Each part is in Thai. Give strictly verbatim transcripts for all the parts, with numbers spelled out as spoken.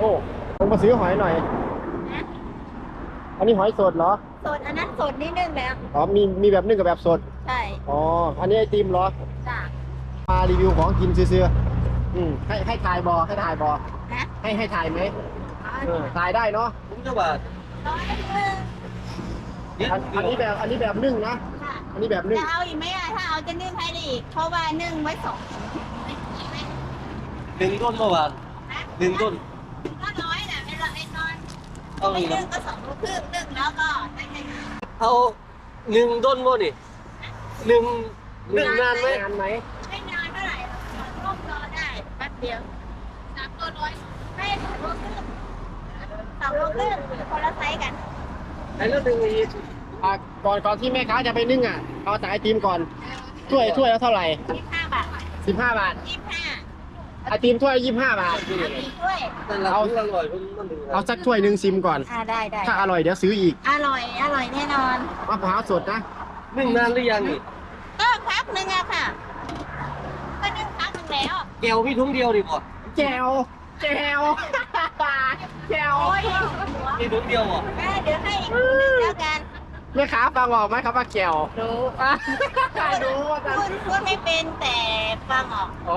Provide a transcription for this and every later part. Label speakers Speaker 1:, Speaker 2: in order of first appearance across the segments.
Speaker 1: อ้ลงมาซื้อหอยหน่อยอันนี้หอยสดเหรอ
Speaker 2: สดอันนั้นสดนิดนึงแล้ว
Speaker 1: อ๋อมีมีแบบนึ่งกับแบบสด
Speaker 2: ใช่
Speaker 1: อ๋ออันนี้ไอติมเหรอ
Speaker 2: จ้ะ
Speaker 1: มารีวิวของกินซื้อๆอืมให้ให้ถ่ายบอให้ถ่ายบอให้ให้ถ่ายไหมเออถ่ายได้เนาะ
Speaker 3: ผมจะว่า
Speaker 2: ร้อยหนึ่ง
Speaker 1: อันนี้แบบอันนี้แบบนึ่งนะอันนี้แบบนึ่ง
Speaker 2: จะเอาอีกไหมอ่ะถ้าเอาจะนึ่งให้ได้อีกเพราะว่านึ่งไว้สอง
Speaker 3: หนึ่งต้นเมื่อวานหนึ่งต้น
Speaker 2: ก็น้อยนะไม่ละไอ้นอน
Speaker 3: เอา
Speaker 2: ไม่
Speaker 3: อีก
Speaker 2: นึ่งก็สองลูกครึ่งนึ่งแล้วก็ได้แค่
Speaker 3: เอาหนึ่งต้นโมนี่หนึ่งหนึ่งนานไหม
Speaker 1: นานไหม
Speaker 2: ไม่นานเท่าไหร่ต้มรอได้แป๊บเดียวสามตัวน้อยไม่สองลูกครึ่งสองลูกครึ่งคนละไซส์กัน
Speaker 3: ไอ้เรื่องหนึ่งอีก
Speaker 1: อ่ะก่อนก่อนที่แม่ค้าจะไปนึ่งอ่ะเอาแต่ไอติมก่อนถ้วยถ้วยแล้วเท่าไหร่
Speaker 2: ยี่สิบห้าบาท
Speaker 1: สิบห้าบาท
Speaker 2: ยี่สิบห้า
Speaker 1: ไอติมถ้วยยี่สิบห้าบาท
Speaker 3: เอาอร่อยมัน
Speaker 1: เอาสักถ้วยหนึ่งซิมก่อน
Speaker 2: อ่าได้ได้
Speaker 1: ถ้าอร่อยเดี๋ยวซื้ออีก
Speaker 2: อร่อยอร่อยแน่นอน
Speaker 1: มะพร้าวสดนะ
Speaker 3: หนึ่งนานหรือยังนี่
Speaker 2: ก็พักหนึ่งอะค่ะก็นึ่งพักหนึ่งแล้ว
Speaker 3: แก้วพี่ทุ่งเดียวดิบ่
Speaker 1: แจวแจวแจว
Speaker 3: พี่ทุ่งเดียวบ่
Speaker 2: เดี๋ยวให้อีกหนึ่งแล้วกัน
Speaker 1: แม่ค้าฟังออกไหมครับว่าแก้ว
Speaker 2: รู้
Speaker 1: รู้ว่าจะ
Speaker 2: พูดพูดไม่เป็นแต่ฟังออก
Speaker 1: อ๋อ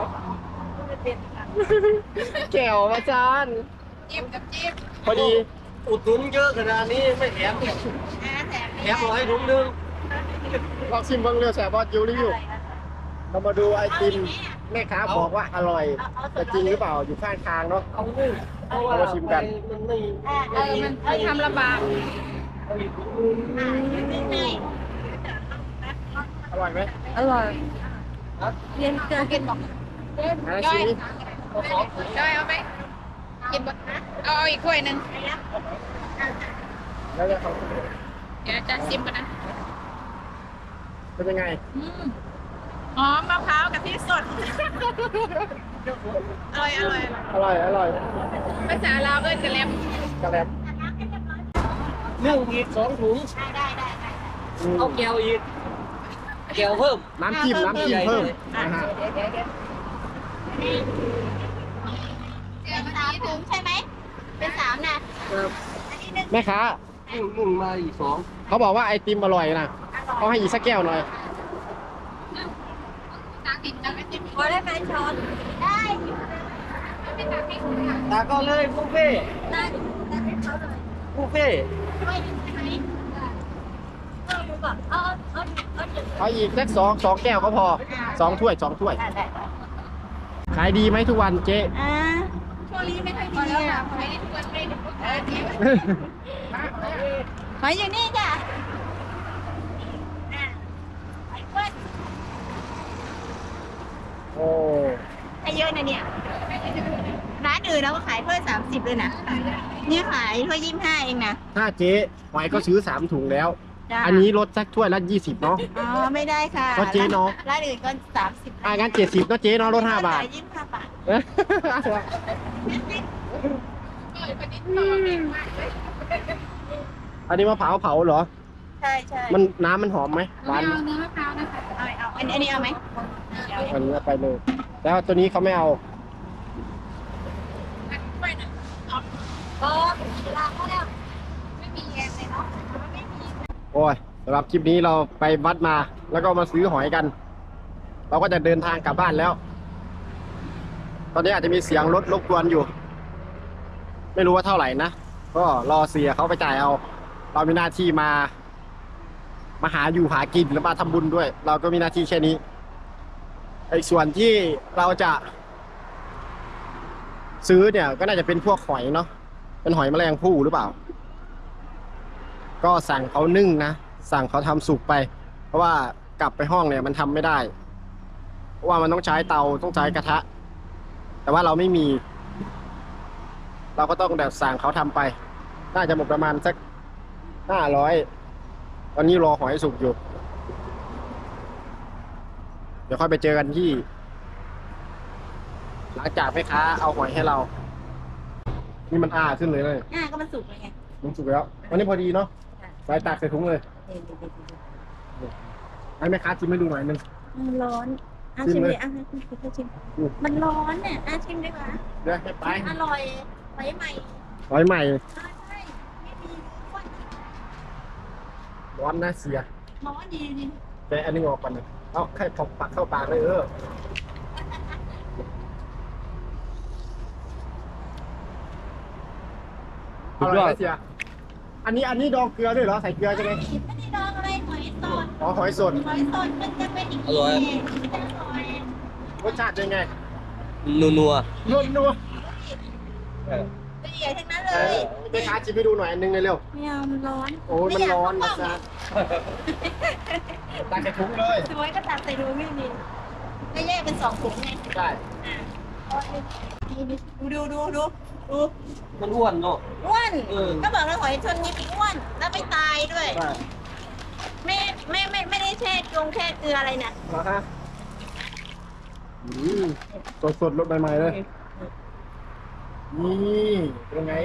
Speaker 1: แก้วมาจาน
Speaker 2: จิ้มกับจิ้ม
Speaker 1: พอดี
Speaker 3: อุดหนุนเยอะขนาดนี้ไม่แถมแถมร้อยถุงนึง
Speaker 1: ลองชิมเบิ้งเรือแสบบอสยูรีวิวเรามาดูไอติมแม่ค้าบอกว่าอร่อยแต่จริงหรือเปล่าอยู่ข้างทางเนาะ
Speaker 3: เอาเลยเอามาชิมกันมันไม่
Speaker 2: เออมันเออทำลำบาก
Speaker 1: อร่อยไหม
Speaker 2: อร่อยเรียนเกินกินบอก
Speaker 1: ย่อย
Speaker 2: ย่อยเอาไหมกินบ่เอาอีกถ้วยหนึ่ง
Speaker 1: แล้วจะ
Speaker 2: เดี๋ยวจะชิมกันนะ
Speaker 1: เป็นยังไง
Speaker 2: หอมมะพร้าวกะทิสดอร่อยอร่อย
Speaker 1: อร่อยอร่อย
Speaker 2: ภาษาลาวเอิ้นกะแลม
Speaker 1: กะแลม
Speaker 3: เรื่องอีกสองถุง
Speaker 2: ได้ได้ได้
Speaker 3: เอาแก้วอีกแก้วเพิ่ม
Speaker 1: น้ำจิ้มน้ำจิ้มเพิ่ม
Speaker 2: นะฮะเป็นสามถุงใช่ไหมเป็นสามนะ
Speaker 1: แม่ค้า
Speaker 3: หนึ่งหนึ่งมาอีกสอง
Speaker 1: เขาบอกว่าไอติมอร่อยนะเขาให้อีกสักแก้วหน่อย
Speaker 2: พอได้ไหมช้อนได้
Speaker 3: ตาก็เลยบุฟเฟ่
Speaker 2: ได้ได้เขาเลย
Speaker 3: บุฟเฟ่
Speaker 2: ไม่ใช่ไหมเอาเอาเอาเอา
Speaker 1: เอาอีกสักสองสองแก้วก็พอสองถ้วยสองถ้วยขายดีไหมทุกวันเจ๊
Speaker 2: อ่าช่วงนี้ไม่ค่อยดีอ่ะไม่ได้ทุกวันไม่ได้ทุกวันหอยอยู่นี่จ้ะ
Speaker 1: โอ้
Speaker 2: ให้เยอะนะเนี่ยร้านอื่นเราก็ขายถ้วยสามสิบเลยนะนี่ขายถ้วยยี่สิบห้าเองนะ
Speaker 1: ถ้าเจ๊หอยก็ซื้อสามถุงแล้วอันนี้ลดสักถ้วยละยี่สิบเนาะ
Speaker 2: อ๋อไม่ได้ค่ะ
Speaker 1: ก็เจ๊เนาะ
Speaker 2: ร้านอื่นก็สามสิบ
Speaker 1: อ่างั้นเจ็ดสิบก็เจ๊เนาะลดห้าบาท
Speaker 2: ยี่สิบห้าบาท
Speaker 1: อันนี้มะพร้าวเผาเหรอ
Speaker 2: ใช่ใช่
Speaker 1: มันน้ำมันหอมไหมหวาน
Speaker 2: เอาเนื้อมะพร้าวนะคะเอาเอาอันนี้เอาไหม
Speaker 1: อันนี้ไปเลยแล้วตัวนี้เขาไม่เอา
Speaker 2: โอ้ลาเขาแล้วไม่มีแยมเลยเนาะไม่มี
Speaker 1: โอ้ยสำหรับคลิปนี้เราไปวัดมาแล้วก็มาซื้อหอยกันเราก็จะเดินทางกลับบ้านแล้วตอนนี้อาจจะมีเสียงรถรบกวนอยู่ไม่รู้ว่าเท่าไหร่นะก็รอเสียเขาไปจ่ายเอาเรามีหน้าที่มามาหาอยู่หากินแล้วมาทำบุญด้วยเราก็มีหน้าที่แค่นี้ไอ้ส่วนที่เราจะซื้อเนี่ยก็น่าจะเป็นพวกหอยเนาะเป็นหอยแมลงภู่หรือเปล่าก็สั่งเขานึ่งนะสั่งเขาทำสุกไปเพราะว่ากลับไปห้องเนี่ยมันทำไม่ได้เพราะว่ามันต้องใช้เตาต้องใช้กระทะแต่ว่าเราไม่มีเราก็ต้องแบบสั่งเขาทำไปน่าจะหมดประมาณสักห้าร้อยตอนนี้รอหอยสุกอยู่เดี๋ยวค่อยไปเจอกันที่หลังจากแม่ค้าเอาหอยให้เรานี่มันอ้าขึ้นเลยเลย
Speaker 2: อ่าก็มันสุกเลยไง
Speaker 1: มันสุกแล้ววันนี้พอดีเนาะใส่ตักใส่ถุงเลยให้แม่ค้าชิมให้ดูหน่อยนึง
Speaker 2: ร้อนอ่ะชิมเลยอ่ะให้คุณชิมมันร้อนเนี่ยอ่ะชิมดีกว่า
Speaker 1: เดี๋ยวให้ไป
Speaker 2: อร่อยอหอยใหม่
Speaker 1: หอยใหม่
Speaker 2: ใช่ใช่ไม่มีอ้วน
Speaker 1: ร้อนนะเสีย
Speaker 2: หมอดีดี
Speaker 1: แต่อันนี้ออกก่อนนะเอาแค่พอปักเข้าปากเลยเอออร่อยไหมเสียอันนี้อันนี้ดองเกลือด้วยเหรอใส่เกลือใช่ไหม
Speaker 2: ไม่ได้ดองอะไรหอยสด
Speaker 1: อ๋อหอยสด
Speaker 2: หอยสดมันจะเป็นอย่างนี้อร่อย
Speaker 1: รสชาติเป็นไง
Speaker 3: นัวนัว
Speaker 1: นวลนัว
Speaker 2: ละเอียดทั้งนั้นเล
Speaker 1: เอย อไปค้าชิมให้ดูหน่อยอันนึงเลยเร็ว
Speaker 2: ไม่เอามันร้อน
Speaker 1: โอ้ยมันร้อนนะจ๊ะตักใส่ถุงเลย
Speaker 2: สวยก็ตัดใส่ดูไม่มีก็แยกเป็นสองถุงไง
Speaker 1: ใช่
Speaker 2: ดูดูดูดูดู
Speaker 3: มันอ้วนเนาะ
Speaker 2: อ้วน
Speaker 3: เออ
Speaker 2: ก็บอกแล้วหอยชนนี้มีอ้วนแล้วไม่ตายด้วย
Speaker 1: ใช่
Speaker 2: ไม่ไม่ไม่ไม่ได้แช่กงแช่เกลืออะไรนะ
Speaker 1: เหรอฮะอืมสดสดๆรสใหม่ๆเลยนี่เป็นไง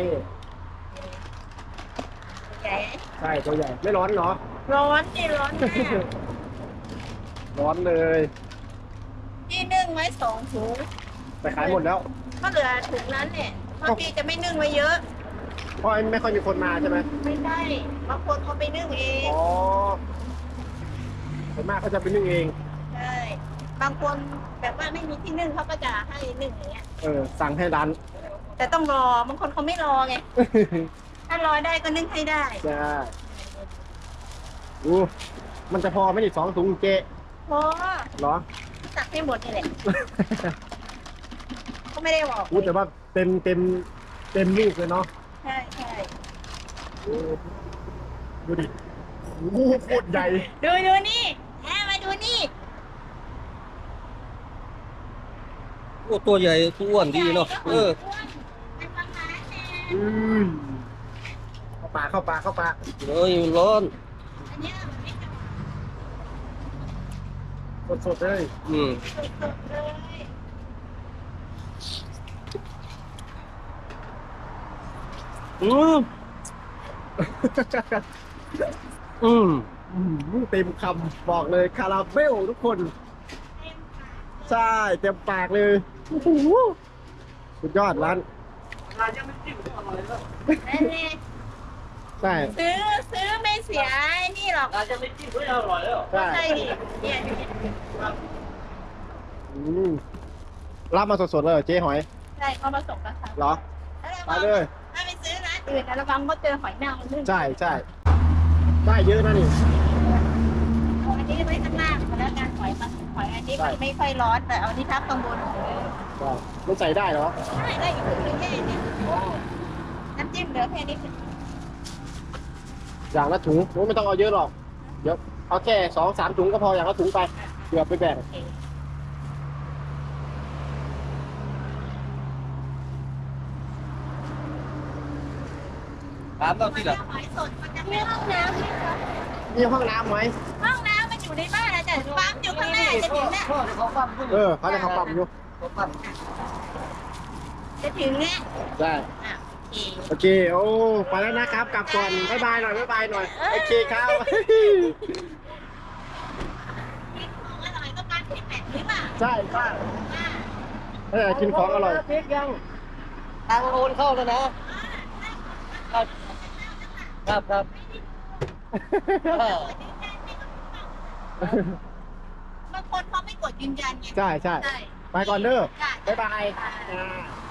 Speaker 2: ใหญ่
Speaker 1: ใช่ตัวใหญ่ไม่ร้อนเหรอ
Speaker 2: ร้อนนี่ร้อนมาก
Speaker 1: ร้อนเลย
Speaker 2: พี่นึ่งไว้สองถุง
Speaker 1: แต่ขายหมดแล้ว
Speaker 2: ก็เหลือถุงนั้นเนี่ยเพราะพี่จะไม่นึ่งไว้เยอะ
Speaker 1: เพราะไม่ค่อยมีคนมาใช่ไหม
Speaker 2: ไม่ได้บางคนเขาไปนึ่งเอง
Speaker 1: อ๋อส่วนมากเขาจะไปนึ่งเอง
Speaker 2: ใช่บางคนแบบว่าไม่มีที่นึ่งเขาก็จะให้นึ่งอย่างเงี้ย
Speaker 1: เออ สั่งให้ร้าน
Speaker 2: แต่ต้องรอบางคนเขาไม่รอไงถ้ารอได้ก็นึ่งให้ได้
Speaker 1: ใช่อู้มันจะพอไหม่ดิสองถุงเจ๊
Speaker 2: เพราะ
Speaker 1: เหรอ
Speaker 2: ตักให้หมดนี่แหละก็ไม่ได้บอก
Speaker 1: อู้แต่ว่าเต็มเต็มเต็มลูกเลยเนาะ
Speaker 2: ใช่ใช่
Speaker 1: อู้ดูดิอู้โคตรใหญ่
Speaker 2: ดูดูนี่แอบมาดูนี่
Speaker 3: โอ้ตัวใหญ่ตัวอ้วนดีเนาะเออ
Speaker 2: เป็นประมาณนี้
Speaker 1: อืมเข้าปากเข้าปากเข้าปาก
Speaker 3: เอ้ยมันร้อน
Speaker 2: อันเนี้ยไม่ท
Speaker 1: สดสดๆเลย
Speaker 3: อืม
Speaker 2: ำสดๆเลย
Speaker 3: อืมอืม
Speaker 1: อืมเต็มคำบอกเลยคาราเบลทุกคน
Speaker 2: เต็มปาก
Speaker 1: ใช่เต็มปากเลยโอ้โหสุดยอดร้าน
Speaker 2: นั่นเอง
Speaker 1: ใช่
Speaker 2: ซื้อซื้อไม่เสียไอ้นี่หรอก
Speaker 3: อาจจะไม่จิ้มไม่อร่อยแล้ว
Speaker 1: ใช่
Speaker 2: ใช่ดิเนี่ย
Speaker 1: อืมรับมาสดๆเลยเหรอเจ๊หอย
Speaker 2: ใช่เขามาส่งกระชับ
Speaker 1: เหรอ
Speaker 2: แล้ว
Speaker 1: ไป
Speaker 2: ระวัง
Speaker 1: เลย
Speaker 2: ถ้าไปซื้อร้านอื่นนะระวังเขาเจอหอยนางรมนึ่ง
Speaker 1: ใช่ใช่ได้เยอะนะนี่
Speaker 2: เอาอันนี้ไว้ข้างล่างแล้วกันหอยมันหอยอันนี้มันไม่ค่อยร้อนแต่เอาอันนี้ทับข้างบน
Speaker 1: ก็มันใส่ได้เหรอ
Speaker 2: ได้ได้อยู่ถึงแค่นี้น้ำจิ้มเหลือแค่นี้
Speaker 1: อย่างละถุงโอ้ไม่ต้องเอาเยอะหรอกเดี๋ยวเอาแค่สองสามถุงก็พออย่างละถุงไปเผื่อไปแบ่ง
Speaker 3: ถามเราที่ละ
Speaker 2: หอยสดมันจะมีห้องน้ำไหมคะ
Speaker 1: มีห้องน้ำไหม
Speaker 2: ห้องน้ำมันอยู่ในบ้านอาจารย์ปั๊มอยู่ข้างหน้าจะถึงแล้ว
Speaker 3: พ่อเขาปั้ม
Speaker 1: เออเขาจะเขาปั๊มอยู่
Speaker 3: เขาปั้ม
Speaker 2: จะถึงแล้ว
Speaker 1: ได้
Speaker 2: อ่ะโอเค
Speaker 1: โอเคโอ้ไปแล้วนะครับกลับก่อนบ๊ายบายหน่อยบ๊ายบายหน่อยโอเคครับ
Speaker 2: กินของอร่อยก็การที่แปดหรือเปล่า
Speaker 1: ใช่ใช่
Speaker 2: อ่า
Speaker 1: เออกินของอร่อย
Speaker 3: พริกยังทางโอนเข้าแล้วนะ ครับครับครับเออบ
Speaker 2: างคนเขาไม่กดยืนยันไง
Speaker 1: ใช่ใช่
Speaker 2: ใช่
Speaker 1: ไปก่อนเด้อ
Speaker 2: ใช่
Speaker 1: บ๊ายบาย
Speaker 2: ใช่
Speaker 1: อ่า